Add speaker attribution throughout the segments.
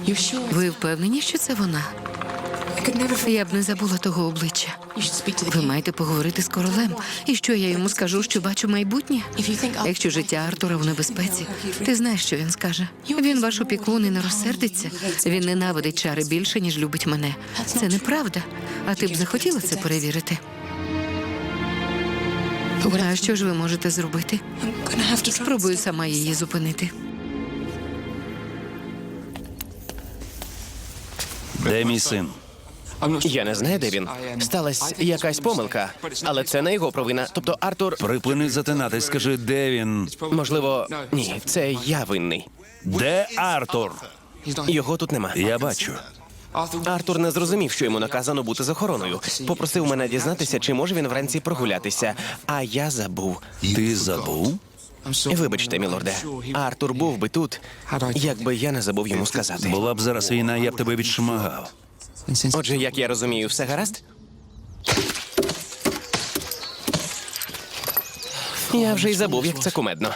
Speaker 1: Ви впевнені, що це вона? Я б не забула того обличчя. Ви маєте поговорити з королем. І що я йому скажу, що бачу майбутнє? Якщо життя Артура в небезпеці, ти знаєш, що він скаже. Він ваш опікун і не розсердиться. Він ненавидить чари більше, ніж любить мене. Це неправда. А ти б захотіла це перевірити? А що ж ви можете зробити? Спробую сама її зупинити.
Speaker 2: Де мій син?
Speaker 3: Я не знаю, де він. Сталась якась помилка, але це не його провина. Тобто Артур...
Speaker 2: Припини затинатись, скажи, де він?
Speaker 3: Можливо... Ні, це я винний.
Speaker 2: Де Артур?
Speaker 3: Його тут нема.
Speaker 2: Я бачу.
Speaker 3: Артур не зрозумів, що йому наказано бути з охороною. Попросив мене дізнатися, чи може він вранці прогулятися. А я забув.
Speaker 2: Ти забув?
Speaker 3: Вибачте, мілорде. Артур був би тут, якби я не забув йому сказати.
Speaker 2: Була б зараз війна, я б тебе відшмагав.
Speaker 3: Отже, як я розумію, все гаразд? Я вже й забув, як це кумедно.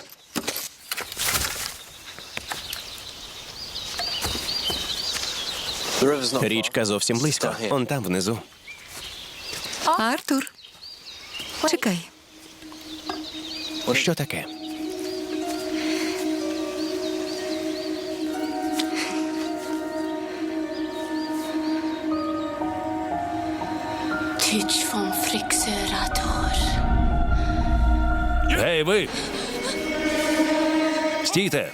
Speaker 3: Річка зовсім близько. Он там внизу.
Speaker 1: Артур, чекай.
Speaker 3: Що таке?
Speaker 4: Tyç von Frixerator.
Speaker 2: Гей, ви! Стійте!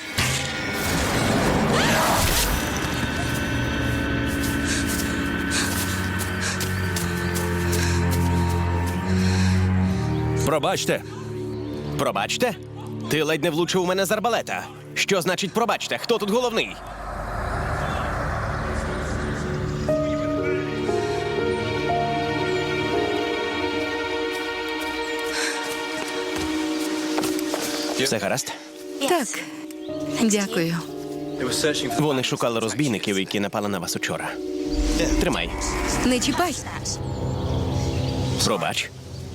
Speaker 2: Пробачте!
Speaker 3: Пробачте? Ти ледь не влучив у мене з арбалета. Що значить пробачте? Хто тут головний? Все гаразд?
Speaker 1: Так, дякую.
Speaker 3: Вони шукали розбійників, які напали на вас учора. Тримай.
Speaker 1: Не чіпай.
Speaker 3: Пробач.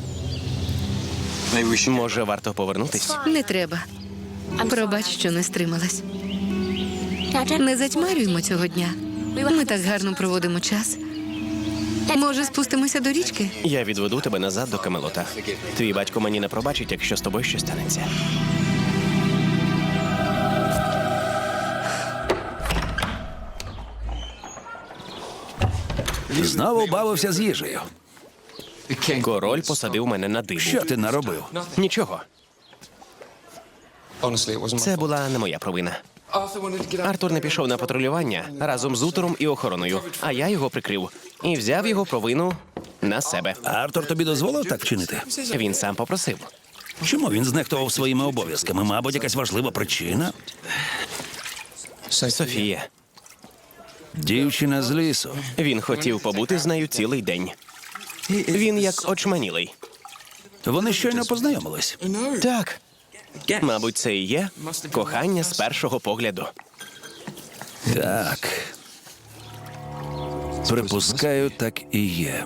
Speaker 3: Може, варто повернутись?
Speaker 1: Не треба. Пробач, що не стрималась. Не затьмарюємо цього дня. Ми так гарно проводимо час. Може, спустимося до річки?
Speaker 3: Я відведу тебе назад до Камелота. Твій батько мені не пробачить, якщо з тобою щось станеться.
Speaker 2: Знову бавився з їжею.
Speaker 3: Король посадив мене на дибу.
Speaker 2: Що ти наробив?
Speaker 3: Нічого. Це була не моя провина. Артур не пішов на патрулювання разом з Утором і охороною, а я його прикрив і взяв його провину на себе.
Speaker 2: Артур тобі дозволив так вчинити?
Speaker 3: Він сам попросив.
Speaker 2: Чому він знехтував своїми обов'язками? Мабуть, якась важлива причина?
Speaker 3: Софія.
Speaker 2: Дівчина з лісу.
Speaker 3: Він хотів побути з нею цілий день. Він як очманілий.
Speaker 2: Вони щойно познайомились.
Speaker 3: Так. Мабуть, це і є кохання з першого погляду.
Speaker 2: Так. Припускаю, так і є.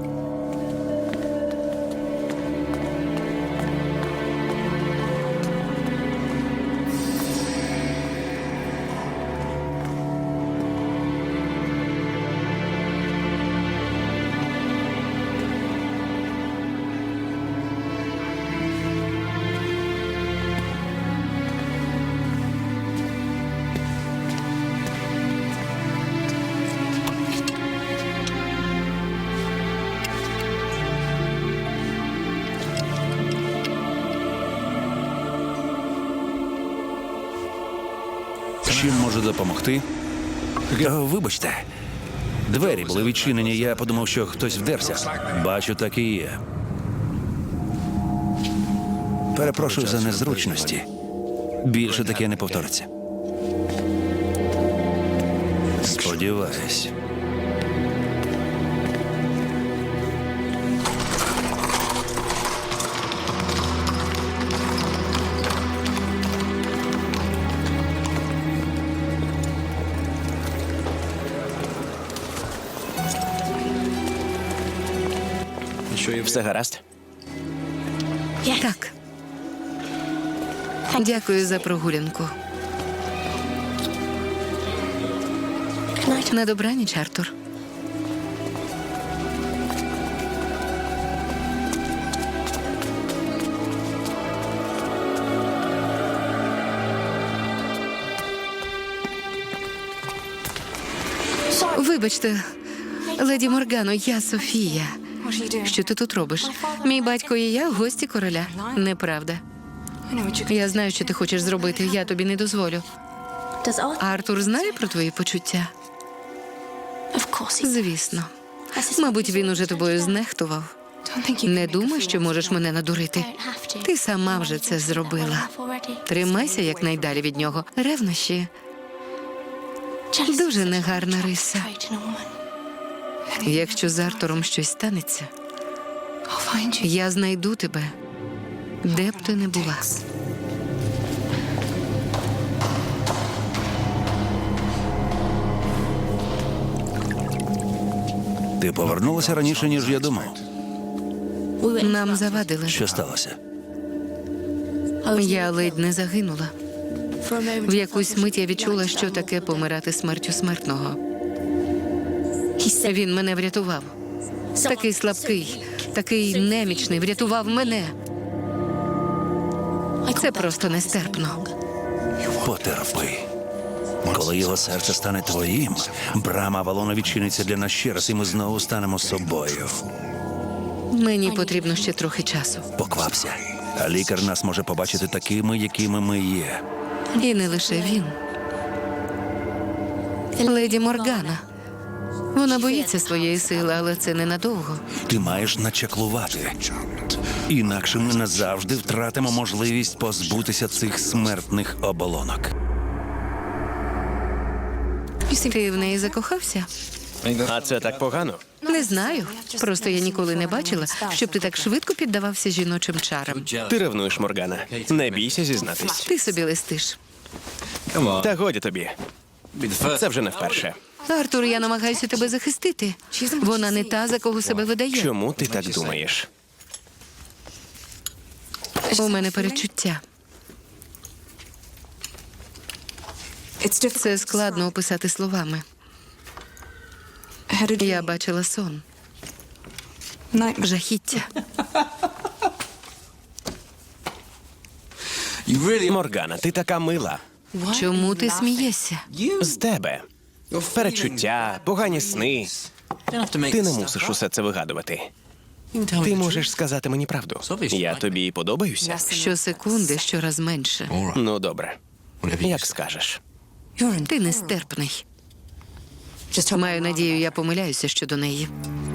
Speaker 2: Чим можу допомогти? Вибачте. Двері були відчинені, я подумав, що хтось вдерся. Бачу, так і є. Перепрошую за незручності. Більше таке не повториться. Сподіваюсь.
Speaker 3: Все гаразд?
Speaker 1: Так. Дякую за прогулянку. На добраніч, Артур. Вибачте, леді Моргано, я Софія. Що ти тут робиш? Мій батько і я в гості короля. Неправда. Я знаю, що ти хочеш зробити. Я тобі не дозволю. Артур знає про твої почуття? Звісно. Мабуть, він уже тобою знехтував. Не думай, що можеш мене надурити. Ти сама вже це зробила. Тримайся якнайдалі від нього. Ревнощі – дуже негарна риса. Якщо з Артуром щось станеться, я знайду тебе, де б ти не була.
Speaker 2: Ти повернулася раніше, ніж я думав.
Speaker 1: Нам завадили.
Speaker 2: Що сталося?
Speaker 1: Я ледь не загинула. В якусь мить я відчула, що таке помирати смертю смертного. Він мене врятував. Такий слабкий, такий немічний, врятував мене. Це просто нестерпно.
Speaker 2: Потерпи. Коли його серце стане твоїм, брама Авалону відчиниться для нас ще раз, і ми знову станемо собою.
Speaker 1: Мені потрібно ще трохи часу.
Speaker 2: Поквапся. А лікар нас може побачити такими, якими ми є.
Speaker 1: І не лише він. Леді Моргана. Вона боїться своєї сили, але це ненадовго.
Speaker 2: Ти маєш начаклувати. Інакше ми назавжди втратимо можливість позбутися цих смертних оболонок.
Speaker 1: Ти в неї закохався?
Speaker 3: А це так погано?
Speaker 1: Не знаю. Просто я ніколи не бачила, щоб ти так швидко піддавався жіночим чарам.
Speaker 3: Ти ревнуєш, Моргана. Не бійся зізнатись.
Speaker 1: Ти собі листиш.
Speaker 3: Та годі тобі. Це вже не вперше.
Speaker 1: Артур, я намагаюся тебе захистити. Вона не та, за кого себе видає.
Speaker 3: Чому ти так думаєш?
Speaker 1: У мене перечуття. Це складно описати словами. Я бачила сон. Жахіття.
Speaker 3: Моргана, ти така мила.
Speaker 1: Чому ти смієшся?
Speaker 3: З тебе. Перечуття, погані сни. Ти не мусиш усе це вигадувати. Ти можеш сказати мені правду. Я тобі подобаюся?
Speaker 1: Щосекунди щораз менше.
Speaker 3: Ну, добре. Як скажеш.
Speaker 1: Ти нестерпний. Маю надію, я помиляюся щодо неї.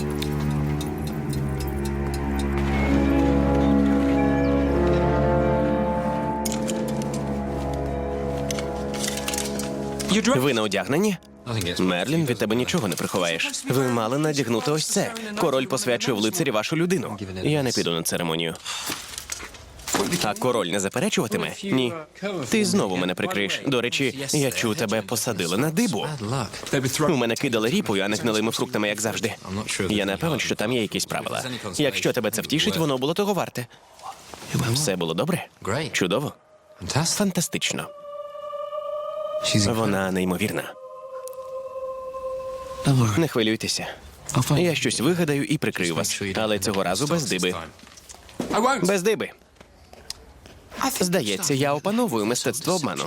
Speaker 3: Ви не одягнені? Мерлін, від тебе нічого не приховаєш. Ви мали надягнути ось це. Король посвячує в лицарі вашу людину. Я не піду на церемонію. А король не заперечуватиме? Ні. Ти знову мене прикриєш. До речі, я чув, тебе посадили на дибу. У мене кидали ріпою, а не гнилими фруктами, як завжди. Я не певен, що там є якісь правила. Якщо тебе це втішить, воно було того варте. Все було добре? Чудово? Фантастично. Вона неймовірна. Не хвилюйтеся. Я щось вигадаю і прикрию вас. Але цього разу без диби. Без диби. Здається, я опановую мистецтво обману.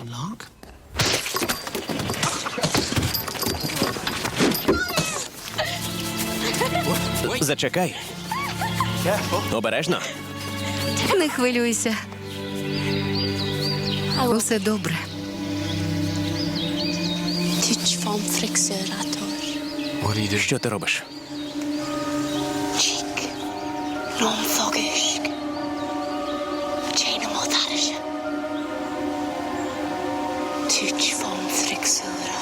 Speaker 3: Зачекай. Обережно.
Speaker 1: Не хвилюйся. Усе добре.
Speaker 4: Tyç van frikseratör.
Speaker 3: Що ти робиш?
Speaker 4: Chic. Non fogusk. Chain motarsh. Tyç van frikseratör.